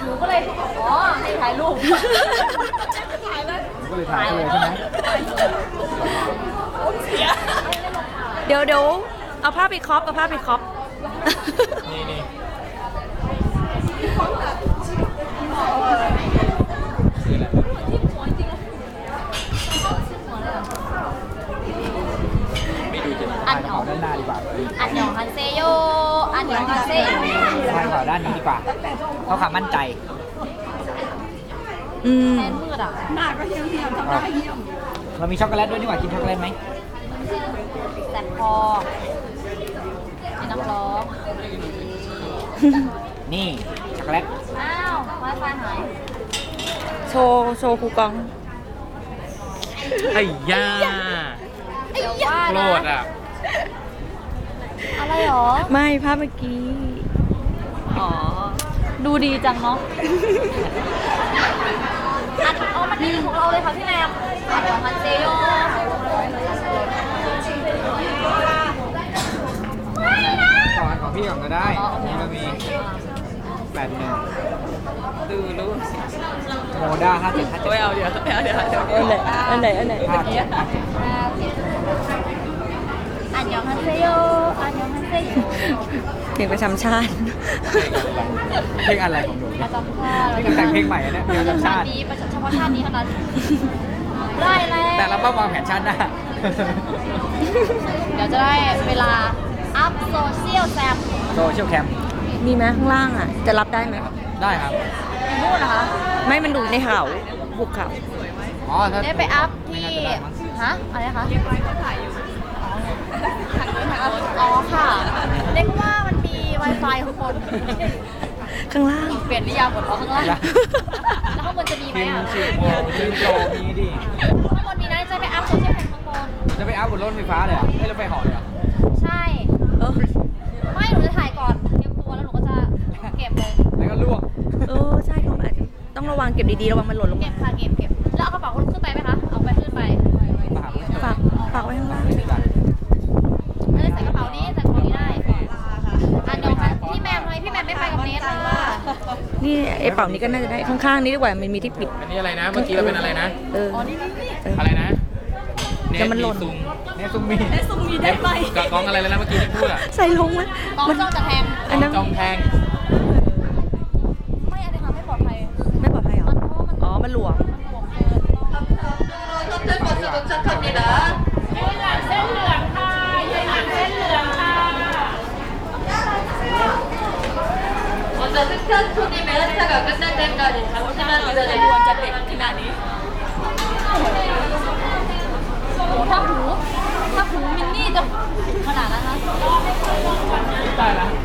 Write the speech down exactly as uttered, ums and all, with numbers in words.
นูก็เลยอ๋อให้ถ่ายรูปถ่ายเลยก็เลยถ่ายเลยใช่ไหมเดี๋ยวเดี๋ยวเอาผ้าไปครอปเอาผ้าไปครอปนี่นี่อันยองด้านหน้าดีกว่าอันยองฮันเซโยอันยองฮันเซทางขวาด้านนี้ดีกว่าเขาความมั่นใจอืมแทนมืดอ่ะหน้าก็เหี่ยวเหี่ยวทำหน้าเหี่ยวเรามีช็อกโกแลตด้วยดีกว่ากินช็อกโกแลตไหมแสบคอมีน้ำร้องนี่ช็อกโกแลตอ้าวไวไฟหายโชว์โชว์คูกองไอ้ย่าเดี๋ยวว่าโกรนะธอ่ะอะไรหรอไม่ภาพเมื่อกี้อ๋อ ดูดีจังเนาะ อันเอามันนี่ของเราเลยค่ะพี่แรมอันของฮันเซโยก่อนของพี่ก่อนก็ได้นี่เรามีแปดหนึ่งดูรู้โมด้าห้าเจ็ดห้าเจ็ดไม่เอาเดี๋ยวไม่เอาเดี๋ยวเดี๋ยวอันไหนอันไหนอันไหนห้าเจ็ดห้าเจ็ดอันยองฮันเซโยอันยองฮันเซโยเพลงประจำชาติเพลงอะไรของหนูประจำชาตินี่แต่งเพลงใหม่เนี่ยเพลงประจำชาตินี้ประจำเฉพาะชาตินี้เท่านั้น ได้แล้วแต่เราต้องวางแผนชาติหน้าเดี๋ยวจะได้เวลา อัพโซเชียลแซมโซเชียลแคมมีไหมข้างล่างอ่ะ จะรับได้ไหมได้ครับพูดนะคะไม่มันดูในเขาบุกเขาอ๋อถ้าได้ไปอัพที่ไม่น่าจะได้มั้งฮะ อะไรคะเรียบร้อยเขาถ่ายอยู่ อ๋อค่ะเรียกว่ามันมี Wi-Fi ข้างบนข้างล่างเปลี่ยนนิยามหมดเพราะข้างล่างอย่าแล้วข้างบนจะมีไหมทีมอ่ะฉีดโมทีมโตมีดิข้างบนมีนะจะไปอัพโซเชียลแคมข้างบนจะไปอัพบนรถไฟฟ้าเลยเหรอ่ะให้รถไฟเหอเลยเหรอ่ะใช่เออไม่หนูจะถ่ายก่อนเตรียมตัวแล้วหนูก็จะเก็บเลยแล้วก็ลวกเออใช่เขาอาจจะต้องระวังเก็บดีๆระวังมันหล่นลงเก็มาบค่ะเก็บเก็บแล้วเอากระเป๋าคนขึ้นไปไหมคะ เอาไปขึ้นไปมาหาผู้ชมฝากฝากไว้ข้างล่างไม่ได้ใส่กระเป๋านี้ใส่กระเป๋านี้ได้อ่ะเดี๋ยวค่ะพี่แมมทำไมพี่แมมไม่ไปกับเนทล่ะนี่ไอ้เป่านี้ก็น่าจะได้ข้างๆนี้ดีกว่ามันมีที่ปิดอันนี้อะไรนะ เมื่อกี้เราเป็นอะไรนะเอออ๋อนี่นี่นี่เอออะไรนะแต่มันหล่นเซุงเนี่ยซุมมีซุ่มมีได้ไหมกับกล้องอะไรเลยนะเมื่อกี้ที่พูดอ่ะใส่ลงไหมกองมันจ้องจะแทงอันนั้นจองแทงไม่อันนี้ค่ะไม่ปลอดภัยไม่ปลอดภัยเหรอมันเพราะว่ามันอ๋อ มันหลวมมันหลวมเกินต้องเส้นเหลืองค่ะเส้นเหลืองค่ะ 먼저 스타트님의 하차가 끝날 때까지 잠시만 기다려주세요. จะเด็กขนาดนี้โอ้ถ้าหูถ้าหูมินนี่จะขนาดนั้นนะได้แล้ว